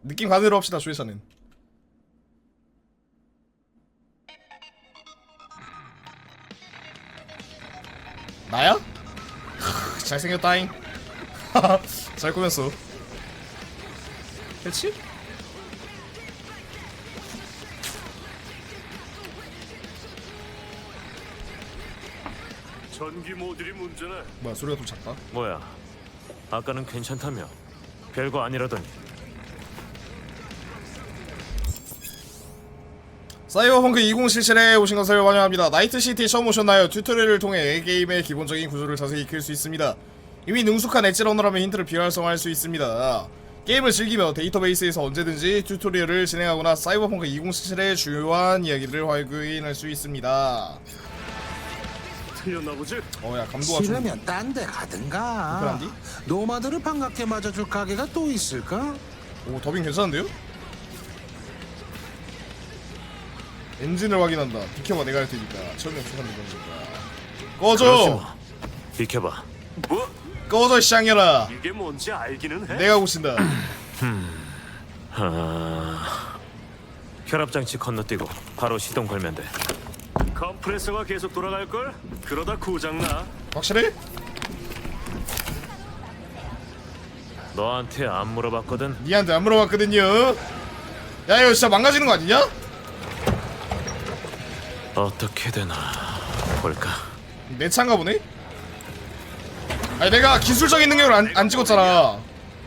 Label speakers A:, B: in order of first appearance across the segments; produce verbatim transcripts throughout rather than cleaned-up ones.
A: 느낌 가는 대로 합시다. 조회사는 나야? 잘생겼다잉. 잘 꾸몄어. 그렇지?
B: 전기 모듈이 문제네.
A: 뭐야 소리가 좀 작다.
C: 뭐야? 아까는 괜찮다며. 별거 아니라더니.
A: 사이버펑크 이천칠십칠에 오신 것을 환영합니다. 나이트시티 처음 오셨나요? 튜토리얼을 통해 게임의 기본적인 구조를 자세히 익힐 수 있습니다. 이미 능숙한 엣지러너라면 힌트를 비활성화할 수 있습니다. 게임을 즐기며 데이터베이스에서 언제든지 튜토리얼을 진행하거나 사이버펑크 이천칠십칠의 주요한 이야기를 확인할 수 있습니다.
B: 틀렸나 보지?
A: 어야 감도가 좀
D: 싫으면 딴 데 가든가.
A: 불편한디?
D: 노마드를 반갑게 맞아줄 가게가 또 있을까?
A: 오 더빙 괜찮은데요? 엔진을 확인한다. 비켜봐 내가 할 테니까. 처음에 부산된 거니까.
C: 그러지
A: 꺼져!
C: 마. 비켜봐.
B: 뭐?
A: 꺼져 쌍년아.
B: 이게 뭔지 알기는 해?
A: 내가 고친다.
C: 하... 혈압장치 건너뛰고 바로 시동 걸면 돼.
B: 컴프레서가 계속 돌아갈걸? 그러다 고장나.
A: 확실해?
C: 너한테 안 물어봤거든.
A: 니한테 안 물어봤거든요. 야 이거 진짜 망가지는 거 아니냐?
C: 어떻게 되나 볼까.
A: 내 차인가 보네? 아니 내가 기술적인 능력을 안, 안 찍었잖아.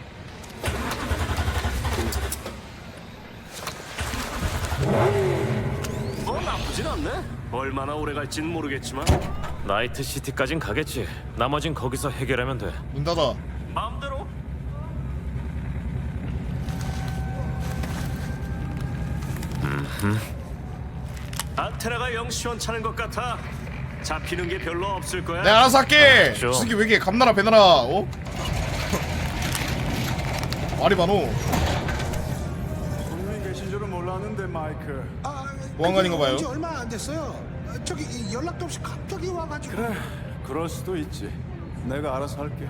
B: 뭐 나쁘진 않네. 얼마나 오래 갈진 모르겠지만
C: 나이트 시티까진 가겠지. 나머진 거기서 해결하면 돼.
A: 문 닫아.
B: 마음대로. 안테나가 영 시원찮은 것 같아. 잡히는 게 별로 없을 거야.
A: 내가 알아서 할게.
C: 좀.
A: 저 새끼 왜 이렇게 감나라 배나라 어? 말이 많어.
E: 손님 계신 줄은 몰랐는데 마이크.
D: 아,
A: 보안관인가 봐요.
D: 이제 얼마 안 됐어요. 저기 연락도 없이 갑자기 와가지고.
E: 그래, 그럴 수도 있지. 내가 알아서 할게.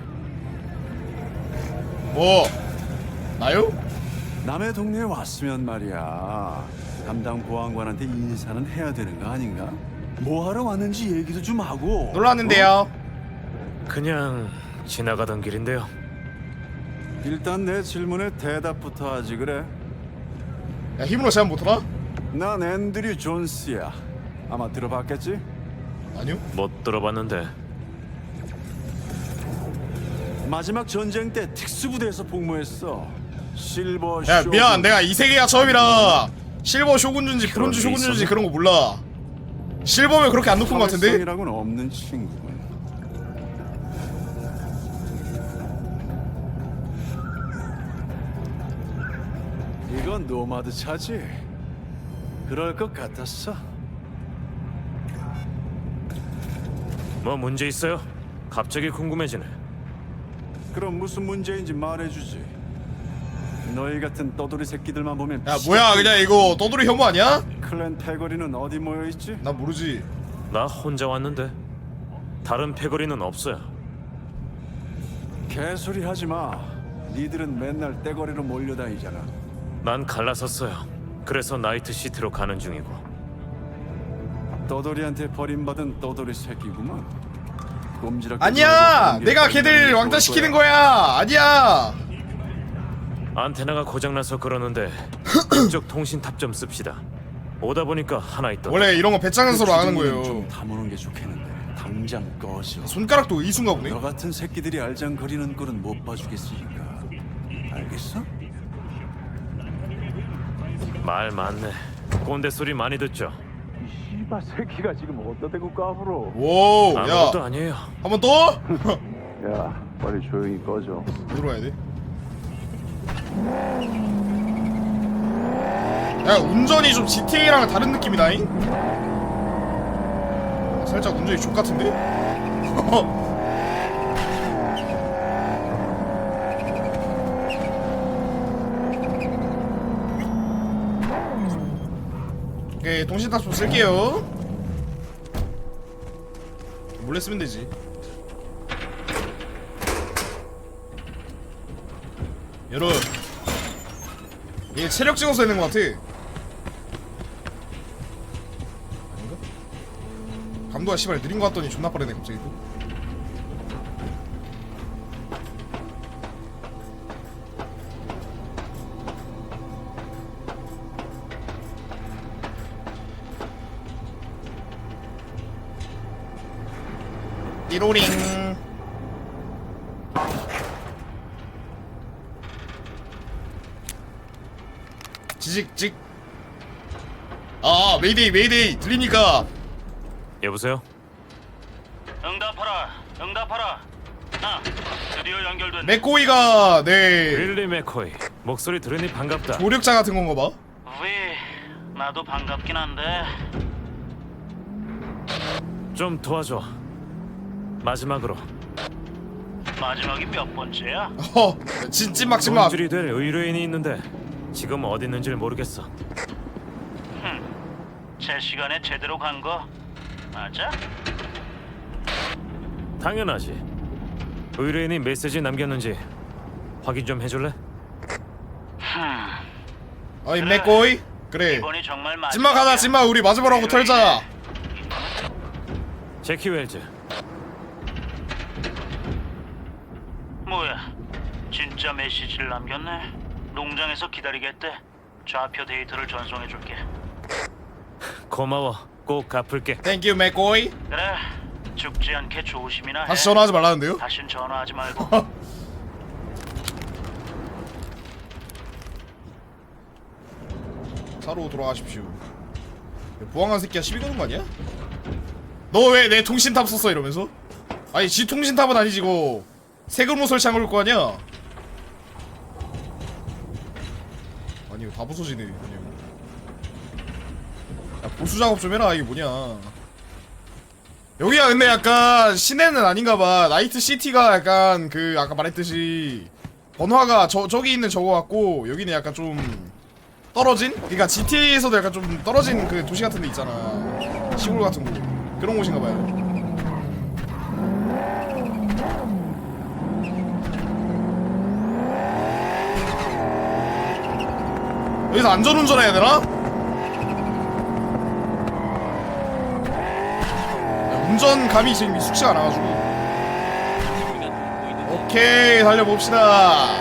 A: 뭐? 나요?
E: 남의 동네에 왔으면 말이야. 담당 보안관한테 인사는 해야 되는 거 아닌가? 뭐 하러 왔는지 얘기도 좀 하고.
A: 놀랐는데요.
C: 그냥 지나가던 길인데요.
E: 어? 일단 내 질문에 대답부터 하지 그래.
A: 야 힘으로 제안 못하나?
E: 난 앤드류 존스야. 아마 들어봤겠지?
A: 아니요.
C: 못 들어봤는데.
E: 마지막 전쟁 때 특수부대에서 복무했어. 실버
A: 야
E: 쇼.
A: 미안 내가 이 세계가 처음이라 실버 쇼군주인지
C: 그런
A: 브론즈
C: 게
A: 쇼군주인지
C: 있었나?
A: 그런 거 몰라. 실버면 그렇게 안 높은 거 같은데?
E: 사회성이라고는 없는 친구군. 이건 노마드 차지? 그럴 것 같았어.
C: 뭐 문제 있어요? 갑자기 궁금해지네.
E: 그럼 무슨 문제인지 말해주지. 너희 같은 떠돌이 새끼들만 보면
A: 야 뭐야 그냥 이거 떠돌이 혐오 아니야?
E: 클랜 패거리는 어디 모여있지?
A: 나 모르지.
C: 나 혼자 왔는데 다른 패거리는 없어요.
E: 개소리 하지마. 니들은 맨날 떼거리로 몰려다니잖아.
C: 난 갈라섰어요. 그래서 나이트 시티로 가는 중이고.
E: 떠돌이한테 버림받은 떠돌이 새끼구만. 꼼지락대
A: 아니야
E: 놀고
A: 내가
E: 그런 게
A: 걔들
E: 좋을
A: 왕따시키는
E: 거야.
A: 거야. 아니야.
C: 안테나가 고장나서 그러는데 이쪽 통신탑 좀 씁시다. 오다 보니까 하나 있더라.
A: 원래 이런 거 배짱에서로 안 하는
E: 주둥이는
A: 거예요.
E: 좀 다무는 게 좋겠는데 당장 꺼져.
A: 손가락도 이순가 보네.
E: 너 같은 새끼들이 알장거리는 꼴은 못 봐주겠으니까. 알겠어?
C: 말 많네. 꼰대 소리 많이 듣죠.
E: 씨발 새끼가 지금 어디다 대고 까불어.
A: 오, 야,
C: 아무것도 아니에요.
A: 한 번 더?
E: 야 빨리 조용히 꺼져.
A: 어디로 가야 돼? 야, 운전이 좀 지티에이랑 다른 느낌이다잉? 살짝 운전이 족 같은데? 오케이, 통신탑 좀 쓸게요. 몰래 쓰면 되지. 열어. 얘 체력 찍어서 있는 것 같아. 아닌가? 감도가 씨발 느린 것 같더니 존나 빠르네 갑자기 또. 띠로링. 지직직. 아 메이데이 메이데이 들립니까?
C: 여보세요?
F: 응답하라, 응답하라. 아, 드디어 연결된.
A: 맥코이가 네
C: 윌리 맥코이. 목소리 들으니 반갑다.
A: 조력자 같은 건가 봐.
F: 위, 나도 반갑긴 한데.
C: 좀 도와줘. 마지막으로
F: 마지막이 몇 번째야?
A: 어 진찐막 찐막.
C: 돈줄이 될 의뢰인이 있는데 지금 어디 있는지 모르겠어.
F: 제 시간에 제대로 간 거 맞아?
C: 당연하지. 의뢰인이 메시지 남겼는지 확인 좀 해줄래?
A: 어이 맥코이 그래.
F: 이번이 정말 마지막이야.
A: 찐막 하자 찐막. 우리 마지막으로 털자.
C: 제키 웰즈.
F: 뭐야? 진짜 메시지를 남겼네. 농장에서 기다리겠대. 좌표 데이터를 전송해줄게.
C: 고마워. 꼭 갚을게.
A: 땡큐 맥코이.
F: 그래, 죽지 않게 조심이나 해.
A: 다시 전화하지 말라는데요?
F: 다신 전화하지 말고.
A: 차로 돌아가십시오. 부항한 새끼야 시비 거는 거 아니야? 너 왜 내 통신탑 썼어 이러면서? 아니 지 통신탑은 아니지 이거 세금으로 설치한 걸 거 아니야? 아니 이거 다 부서지네 그냥. 야 보수 작업 좀 해라. 이게 뭐냐. 여기가 근데 약간 시내는 아닌가봐. 나이트 시티가 약간 그 아까 말했듯이 번화가 저, 저기 있는 저거 같고 여기는 약간 좀 떨어진? 그니까 지티에이에서도 약간 좀 떨어진 그 도시 같은 데 있잖아. 시골 같은 곳. 그런 곳인가 봐요. 여기서 안전운전 해야 되나? 야, 운전감이 지금 익숙치가 않아가지고. 오케이 달려봅시다.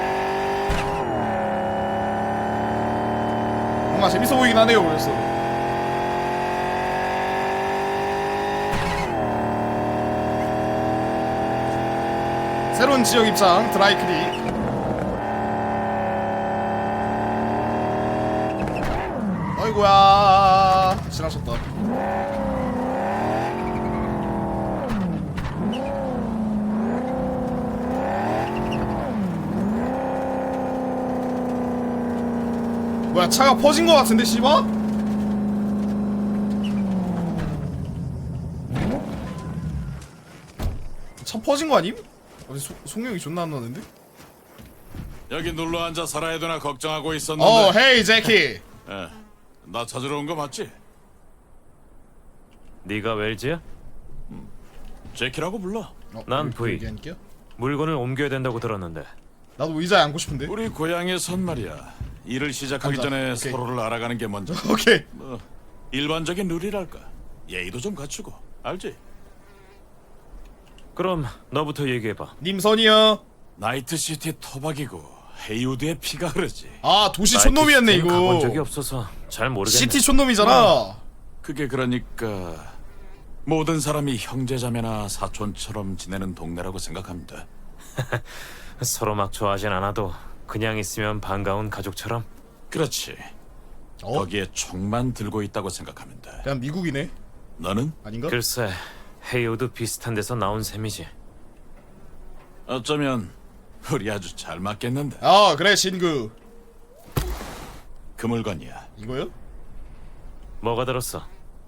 A: 뭔가 재밌어 보이긴 하네요 그래서. 새로운 지역 입장 드라이클릭. 어이구야 지나쳤다. 뭐야 차가 퍼진 거 같은데 씨발? 차 퍼진 거 아님? 어디 소, 속력이 존나 안 나는데?
G: 여기 눌러 앉아 살아야 되나 걱정하고 있었는데.
A: 어 헤이 제키.
G: 예, 나 찾으러 온 거 맞지?
C: 네가 웰즈야?
G: 제키라고 불러.
A: 어,
C: 난
A: 여기-
C: V.
A: 여기 앉을게요?
C: 물건을 옮겨야 된다고 들었는데.
A: 나도 의자에 앉고 싶은데.
G: 우리 고향에선 말이야. 일을 시작하기
A: 앉아.
G: 전에
A: 오케이.
G: 서로를 알아가는 게 먼저.
A: 오케이.
G: 뭐 일반적인 룰이랄까. 예의도 좀 갖추고. 알지?
C: 그럼 너부터 얘기해봐.
A: 님선이요.
G: 나이트시티 토박이고 헤이우드의 피가 흐르지.
A: 아 도시 촌놈이었네
C: 나이트 시티는 가본 적이
A: 이거.
C: 없어서 잘 모르겠네.
A: 시티 촌놈이잖아.
G: 그게 그러니까 모든 사람이 형제자매나 사촌처럼 지내는 동네라고 생각합니다.
C: 서로 막 좋아하진 않아도 그냥 있으면 반가운 가족처럼.
G: 그렇지.
A: 어?
G: 거기에 총만 들고 있다고 생각하면 돼.
A: 그냥 미국이네.
G: 너는?
A: 아닌가?
C: 글쎄, 헤이오도 비슷한 데서 나온 셈이지.
G: 어쩌면 우리 아주 잘 맞겠는데.
A: 아 그래 신구.
G: 그 물건이야.
A: 이거요?
C: 뭐가 들었어?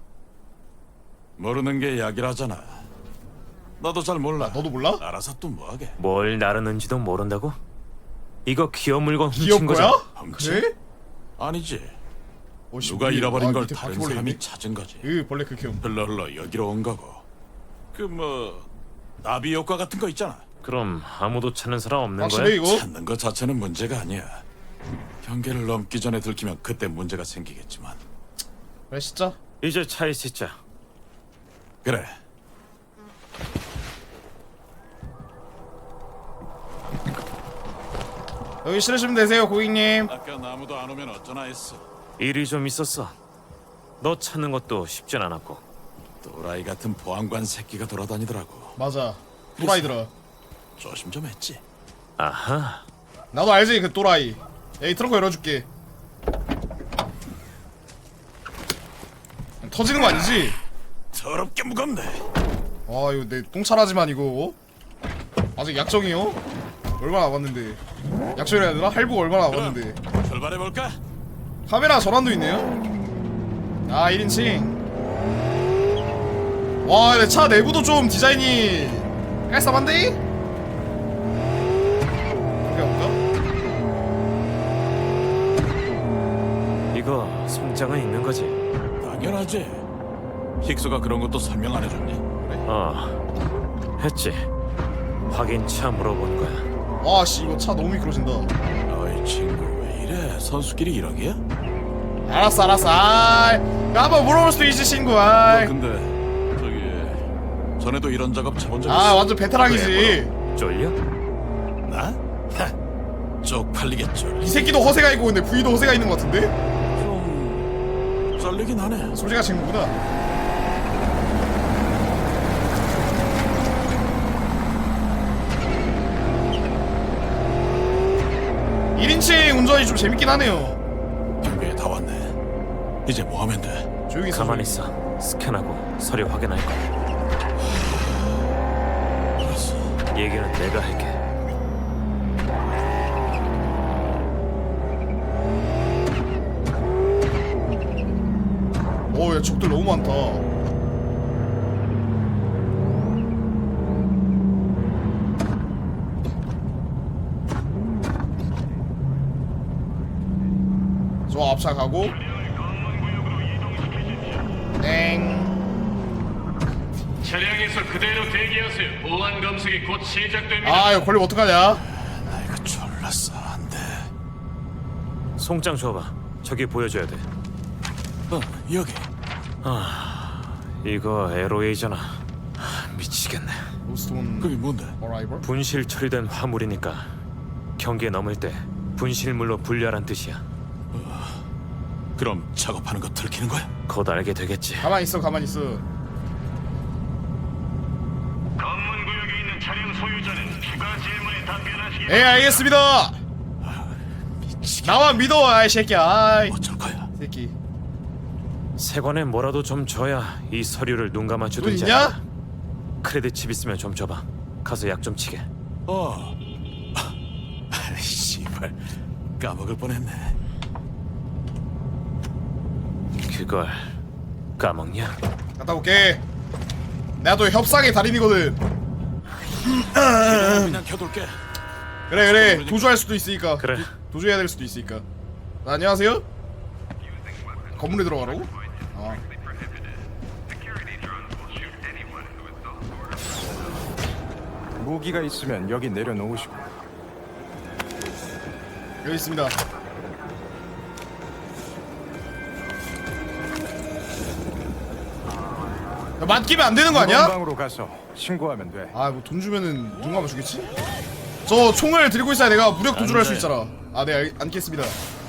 G: 모르는 게 약이라잖아. 나도 잘 몰라.
A: 아, 너도 몰라?
G: 알아서 또 뭐하게.
C: 뭘 나르는지도 모른다고? 이거 기업 물건
A: 기업
C: 훔친 거잖아.
A: 거야?
G: 훔치?
A: 그래?
G: 아니지.
A: 어, 씨,
G: 누가
A: 우리-
G: 잃어버린
A: 아,
G: 걸
A: 밑에
G: 다른
A: 바퀴벌레
G: 사람이
A: 있네.
G: 찾은 거지.
A: 으 벌레 극혐.
G: 흘러 흘러 여기로 온 거고. 그 뭐 나비 효과 같은 거 있잖아.
C: 그럼 아무도 찾는 사람 없는
A: 확실해
C: 거야?
A: 이거?
G: 찾는 거 자체는 문제가 아니야. 경계를 넘기 전에 들키면 그때 문제가 생기겠지만.
A: 그래 진짜.
C: 이제 차에 싣자.
G: 그래.
A: 여기 실으시면 되세요 고객님.
G: 아까 아무도 안 오면 어쩌나 했어.
C: 일이 좀 있었어. 너 찾는 것도 쉽진 않았고.
G: 또라이 같은 보안관 새끼가 돌아다니더라고.
A: 맞아. 또라이들아.
G: 조심 좀 했지.
C: 아하.
A: 나도 알지 그 또라이. 에이 트렁크 열어줄게. 터지는 거 아니지?
G: 더럽게 무겁네.
A: 아 이거 내 똥차라지만 이거 아직 약정이요? 얼마나 남았는데 약정이라 해야 되나? 할부가 얼마나 남았는데
G: 출발해볼까?
A: 카메라 전환도 있네요? 아 일 인칭 와 근데 차 내부도 좀 디자인이 깔쌈한데? 그게 없까?
C: 이거 송장은 있는 거지?
G: 당연하지. 힉스가 그런 것도 설명 안 해줬니?
C: 어. 했지. 확인차 물어본 거야.
A: 와씨 이거 차 너무 미끄러진다
G: 어이 친구 왜 이래? 선수끼리 이러기야?
A: 알았어 알았어 아이 한번 물어볼 수도 있지 친구
G: 너
A: 아이
G: 근데 저기 전에도 이런 작업 쳐본 적 있어?
A: 아 완전 베테랑이지
C: 쫄려?
G: 나? 하, 쪽팔리겠죠.
A: 이 새끼도 허세가 있고 근데 V도 허세가 있는 것 같은데?
G: 좀 썰리긴 하네.
A: 솔직한 친구구나 일 인칭 운전이 좀 재밌긴 하네요
G: 경계에 다 왔네. 이제 뭐 하면 돼?
A: 조용히 있어
C: 가만히
A: 조용히.
C: 있어. 스캔하고 서류 확인할 거야.
G: 알았어.
C: 얘기는 내가 할게.
A: 어야 적들 너무 많다 저 앞차 가고 땡
H: 차량에서 그대로 대기하세요. 보안 검색이 곧 시작됩니다.
A: 아 이거 걸리면 어떡하냐
G: 나 이거 졸랐어. 안 돼.
C: 송장 줘봐. 저기 보여줘야 돼.
G: 어, 여기.
C: 이거 엘오에이잖아. 하, 미치겠네.
A: 로스톤
G: 그게 뭔데?
A: 어라이벌?
C: 분실 처리된 화물이니까 경계 넘을 때 분실물로 분류하란 뜻이야.
G: 그럼 작업하는 거 들키는 거야?
C: 곧 알게 되겠지.
A: 가만히 있어 가만히 있어
H: 검문 구역에 있는 차량 소유자는 추가 질문에 답변하시기
A: 예 알겠습니다 나만 믿어 아이 새끼야 아이
G: 어쩔 거야?
A: 새끼
C: 세관에 뭐라도 좀 줘야 이 서류를 눈 감아
A: 돈
C: 주든지.
A: 있냐?
C: 알아. 크레딧 칩 있으면 좀 줘봐. 가서 약 좀 치게.
G: 어. 아, 씨발. 까먹을 뻔했네.
C: 그걸 까먹냐?
A: 갔다 올게 내가 또 협상의 달인이거든
G: 그냥 켜둘게.
A: 그래 그래 도주할 수도 있으니까
C: 그래.
A: 도, 도주해야 될 수도 있으니까 아, 안녕하세요? 건물에 들어가라고? 아.
I: 무기가 있으면 여기 내려놓으시고.
A: 여기 있습니다 야, 맡기면 안 되는 거 아니야?
I: 방으로 가서 신고하면 돼.
A: 아 뭐 돈 주면은 눈 감아 주겠지? 저 총을 들고 있어야 내가 무력 도주를 할 수 있잖아 아 네 알, 앉겠습니다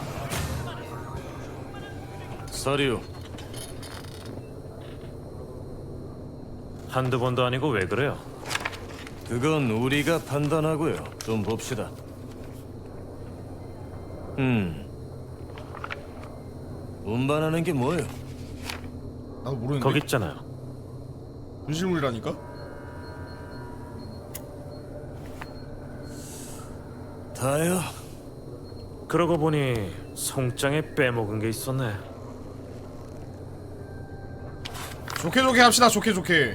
C: 서류. 한두 번도 아니고 왜 그래요?
J: 그건 우리가 판단하고요. 좀 봅시다. 음. 운반하는 게 뭐예요?
A: 나도 모르는데
C: 거기 있잖아요.
A: 분실물이라니까?
J: 다요?
C: 그러고 보니 송장에 빼먹은 게 있었네.
A: 좋게 좋게 합시다 좋게 좋게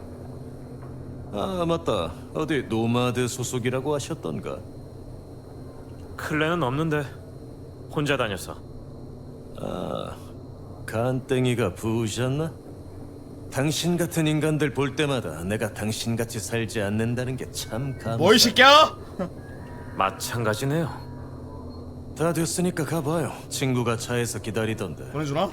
J: 아, 맞다. 어디 노마드 소속이라고 하셨던가?
C: 클레는 없는데 혼자 다녔어.
J: 아, 간땡이가 부으셨나? 당신 같은 인간들 볼 때마다 내가 당신같이 살지 않는다는 게 참 감사.
A: 뭐 이 새끼야?
C: 마찬가지네요.
J: 다 됐으니까 가봐요. 친구가 차에서 기다리던데.
A: 보내주나?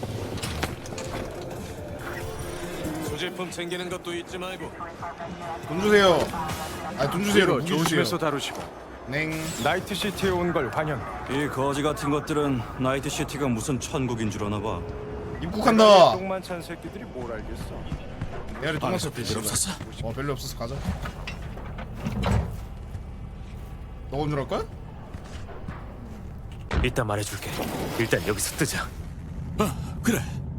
J: 소지품 챙기는 것도 잊지 말고.
A: 돈 주세요. 아, 돈 주세요.
I: 이거
A: 무기 주세요.
I: 조심해서 다루시고.
A: 냉.
I: 나이트시티에 온 걸 환영.
E: 이 거지 같은 것들은 나이트시티가 무슨 천국인 줄 아나 봐.
A: 입국한다.
I: 똥만 찬 새끼들이 뭘 알겠어.
A: 내가 똥만 쳤
G: 별일 없었어?
A: 어, 별로 없었어. 가자. 너가 운전할 거야?
C: 이따 말해줄게. 일단 여기서 뜨자.
G: 어, 그래.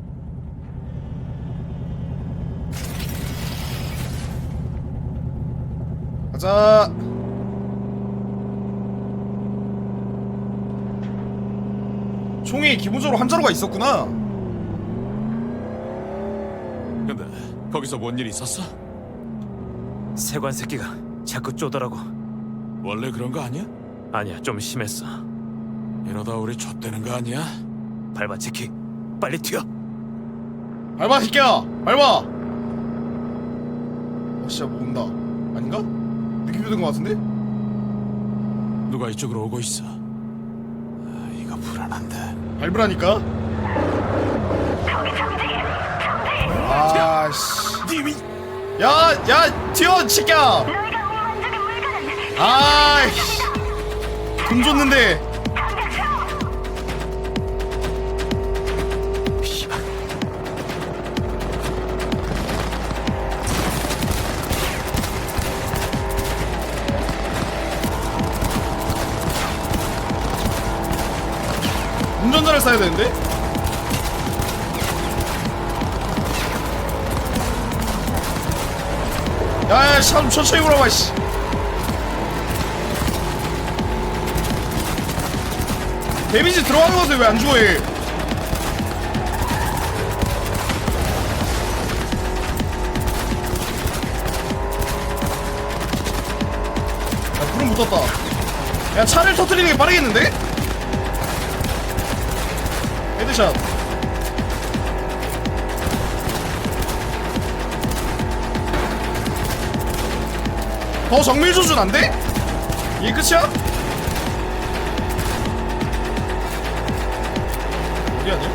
A: 가자. 총이 기본적으로 한 자루가 있었구나.
G: 근데 거기서 뭔 일 있었어?
C: 세관 새끼가 자꾸 쪼더라고.
G: 원래 그런 거 아니야?
C: 아니야, 좀 심했어.
G: 이러다 우리 좆되는 거 아니야?
C: 밟아, 지키. 빨리 튀어.
A: 밟아, 새끼야. 밟아. 어, 진짜 뭐 온다. 아닌가? 느낌이 든 것 같은데?
G: 누가 이쪽으로 오고 있어. 아, 이거 불안한데.
A: 밟으라니까. 아씨.
G: 님이
A: 야, 야, 튀어, 새끼야. 아이씨. 돈 줬는데. 운전자를 써야 되는데? 야야, 참 천천히 오라봐, 씨. 데미지 들어가는 것을 왜 안 주워 얘? 야, 불은 붙었다. 야, 차를 터뜨리는 게 빠르겠는데? 헤드샷. 더 정밀 조준 안 돼? 이게 끝이야? 어디 아니야?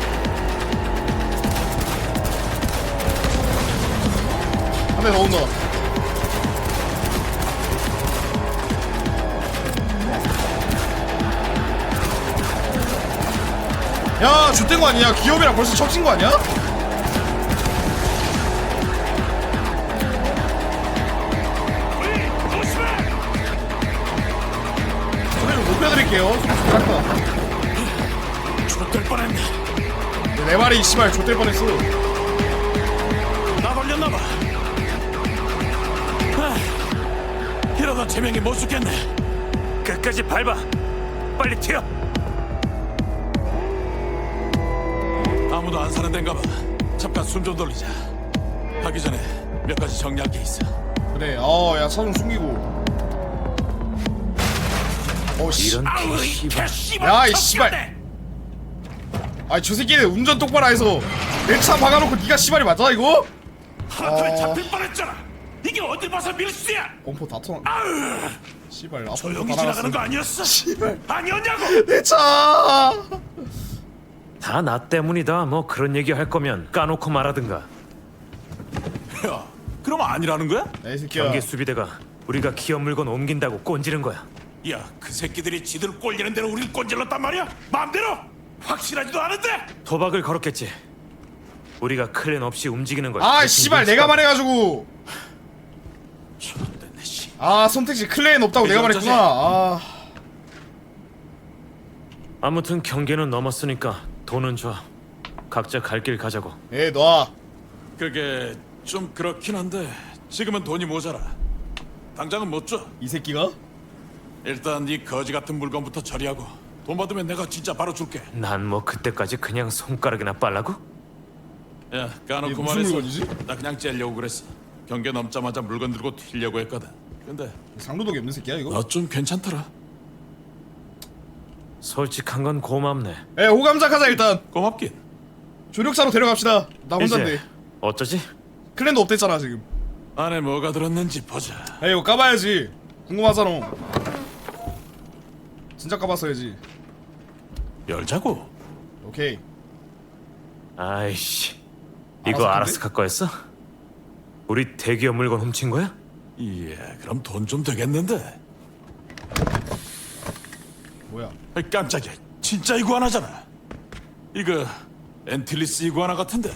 A: 한 대 더 온다. 야, 좆된 거 아니야? 기업이랑 벌써 척진 거 아니야? 소리 좀 높여드릴게요. 잘한다.
G: 좆될 뻔했네.
A: 내 말이 이 씨발 좆될 뻔했어.
G: 나 걸렸나봐. 아, 이러다 제명이 못 죽겠네.
C: 끝까지 밟아. 빨리 튀어.
G: 아무도 안 사는 데인가 봐. 잠깐 숨 좀 돌리자. 하기 전에 몇 가지 정리할 게 있어.
A: 그래. 어, 야, 차 좀 숨기고. 어, 씨.
C: 이런 개씨발.
A: 야, 이 씨발. 아이, 저 새끼는 운전 똑바로 해서 내 차 박아놓고 니가 씨발이 맞아 이거?
G: 하나에
A: 어.
G: 잡힐 뻔했잖아. 이게 어디 봐서 밀수야?
A: 범퍼 다 터나. 씨발, 나
G: 조용히
A: 범퍼 다
G: 지나가는 거
A: 나갔어.
G: 아니었어?
A: 씨발.
G: 아니었냐고?
A: 내 차.
C: 다 나 때문이다. 뭐 그런 얘기 할 거면 까놓고 말하든가.
G: 야, 그럼 아니라는 거야?
A: 야, 이 새끼야.
C: 경계 수비대가 우리가 기업 물건 옮긴다고 꼰지른 거야.
G: 야, 그 새끼들이 지들 꼴리는 대로 우릴 꼰질렀단 말이야? 마음대로? 확실하지도 않은데?
C: 도박을 걸었겠지. 우리가 클랜 없이 움직이는 걸.
A: 아,
C: 대신
A: 씨발, 내가
C: 눈치가-
A: 말해가지고.
G: 좋됐네, 씨.
A: 아, 선택지 클레인 없다고 내가
G: 이제
A: 말했구나. 아,
C: 아무튼 경계는 넘었으니까 돈은 줘. 각자 갈 길 가자고.
A: 에, 놔.
G: 그게 좀 그렇긴 한데 지금은 돈이 모자라. 당장은 못 줘.
A: 이 새끼가?
G: 일단 이 거지 같은 물건부터 처리하고 돈 받으면 내가 진짜 바로 줄게.
C: 난 뭐 그때까지 그냥 손가락이나 빨라고?
G: 야,
A: 이게
G: 까놓고
A: 무슨
G: 말해서
A: 물건이지?
G: 나 그냥 째려고 그랬어. 경계 넘자마자 물건 들고 튀려고 했거든. 근데
A: 상도덕이 없는 새끼야 이거?
G: 너 좀 괜찮더라.
C: 솔직한 건 고맙네.
A: 에, 호감작하자 일단.
G: 고맙긴.
A: 조력사로 데려갑시다. 나 혼자인데.
C: 이제 어쩌지?
A: 클랜도 없댔잖아 지금.
G: 안에 뭐가 들었는지 보자.
A: 에, 이거 까봐야지. 궁금하잖아. 진짜 까봤어야지.
G: 열자고.
A: 오케이.
C: 아이씨,
A: 알아서
C: 이거
A: 근데?
C: 아라스카 거였어? 우리 대기업 물건 훔친 거야?
G: 예, 그럼 돈 좀 되겠는데.
A: 뭐야?
G: 아이, 깜짝이야. 진짜 이구아나잖아. 이거 엔틸리스 이구아나 같은데.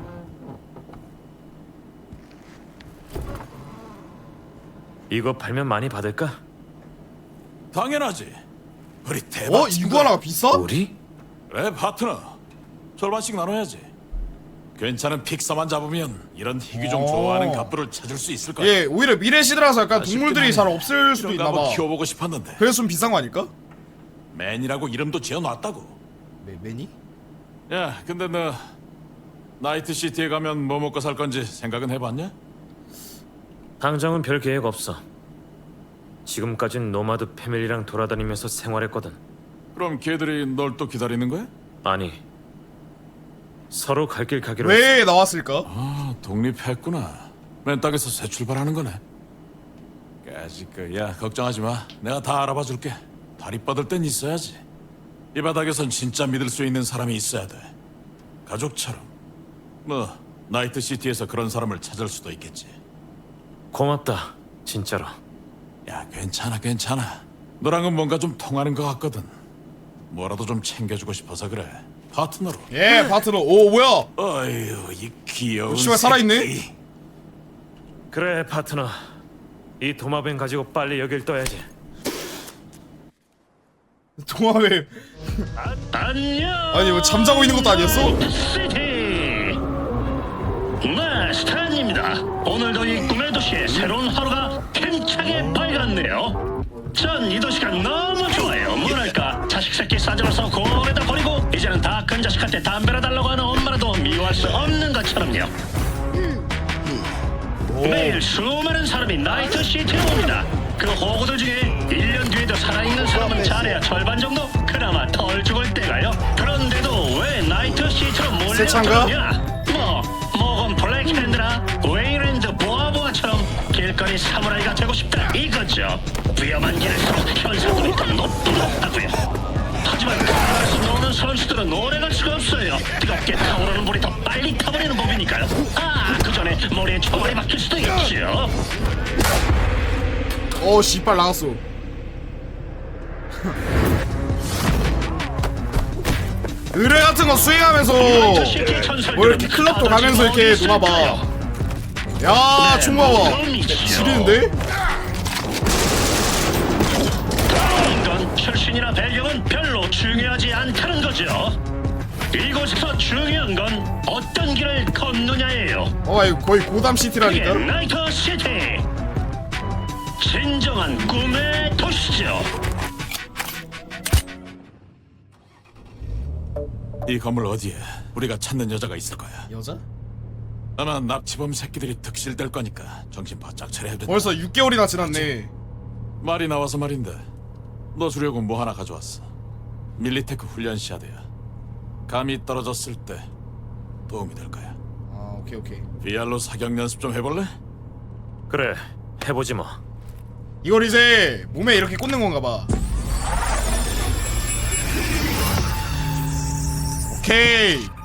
C: 이거 팔면 많이 받을까?
G: 당연하지. 우리 대박.
A: 어? 이구아나가 비싸?
C: 우리?
G: 그래, 파트너. 절반씩 나눠야지. 괜찮은 픽서만 잡으면 이런 희귀종
A: 어.
G: 좋아하는 갑부를 찾을 수 있을 거야.
A: 예, 오히려 미래 시대라서 약간
G: 아쉽긴
A: 동물들이
G: 하네.
A: 잘 없을 수도
G: 이런 거
A: 있나봐.
G: 한번 키워보고 싶었는데.
A: 그래서 좀 비싼 거 아닐까?
G: 맨이라고 이름도 지어놨다고.
A: 매, 매니?
G: 야, 근데 너 나이트 시티에 가면 뭐 먹고 살 건지 생각은 해봤냐?
C: 당장은 별 계획 없어. 지금까진 노마드 패밀리랑 돌아다니면서 생활했거든.
G: 그럼 걔들이 널 또 기다리는 거야?
C: 아니, 서로 갈 길 가기로 했어.
A: 왜 나왔을까?
G: 아, 독립했구나. 맨 땅에서 새 출발하는 거네. 까짓거, 야, 걱정하지 마. 내가 다 알아봐 줄게. 다리 뻗을 땐 있어야지. 이 바닥에선 진짜 믿을 수 있는 사람이 있어야 돼. 가족처럼. 뭐, 나이트 시티에서 그런 사람을 찾을 수도 있겠지.
C: 고맙다, 진짜로.
G: 야, 괜찮아, 괜찮아. 너랑은 뭔가 좀 통하는 것 같거든. 뭐라도 좀 챙겨주고 싶어서 그래. 파트너로.
A: 예, 파트너. 오, 뭐야?
G: 어휴, 이 귀여운
A: 씨발, 살아있네?
G: 새끼.
C: 그래, 파트너. 이 도마뱀 가지고 빨리 여길 떠야지.
A: 동화뱀.
F: 안녕.
A: 아니, 뭐 잠자고 있는 것도 아니었어?
F: 시티. 네, 스탠입니다. 오늘도 이 꿈의 도시에 새로운 하루가 힘차게 밝았네요. 전 이 도시가 너무 좋아요. 뭐랄까, 자식 새끼 싸들어서 고래다 버리고 이제는 다 큰 자식한테 담배라 달라고 하는 엄마라도 미워할 수 없는 것처럼요. 매일 수많은 사람이 나이트 시티에 옵니다. 그 호구들 중에 일 년 뒤에도 살아있는 사람은 잘해야 절반 정도 그나마 덜 죽을 때가요. 그런데도 왜 나이트 시티로
A: 세차인가?
F: 몰려들었냐? 뭐 모건 블랙핸드나 웨이랜드 보아보아처럼 길거리 사무라이가 되고 싶다 이거죠. 위험한 길에서 현상금이 더 높다고요. 하지만 강에서 노는 선수들은 오래갈 수가 없어요. 뜨겁게 타오르는 물이 더 빨리 타버리는 법이니까요. 아, 그 전에 머리에 총알이 박힐 수도 있죠.
A: 어, 씨발 나갔어. 의뢰 같은 거 수행하면서 뭐 이렇게 클럽도 가면서 이렇게 노나봐. 야, 총 봐봐. 지리는데?
F: 인간 출신이나 배경은 별로 중요하지 않다는 거죠. 이곳에서 중요한 건 어떤 길을 걷느냐예요.
A: 어, 이거 거의 고담
F: 그게
A: 시티라니까.
F: 나이트 시티. 진정한 꿈의 도시죠.
G: 이 건물 어디에 우리가 찾는 여자가 있을 거야.
A: 여자?
G: 아마 납치범 새끼들이 득실될 거니까 정신 바짝 차려야 된다.
A: 벌써 육 개월이나 지났네.
G: 말이 나와서 말인데 너 주려고 뭐 하나 가져왔어. 밀리테크 훈련 시야드야. 감이 떨어졌을 때 도움이 될 거야.
A: 아, 오케이 오케이.
G: 비알로 사격 연습 좀 해볼래?
C: 그래, 해보지 뭐.
A: 이걸 이제 몸에 이렇게 꽂는 건가 봐. 오케이.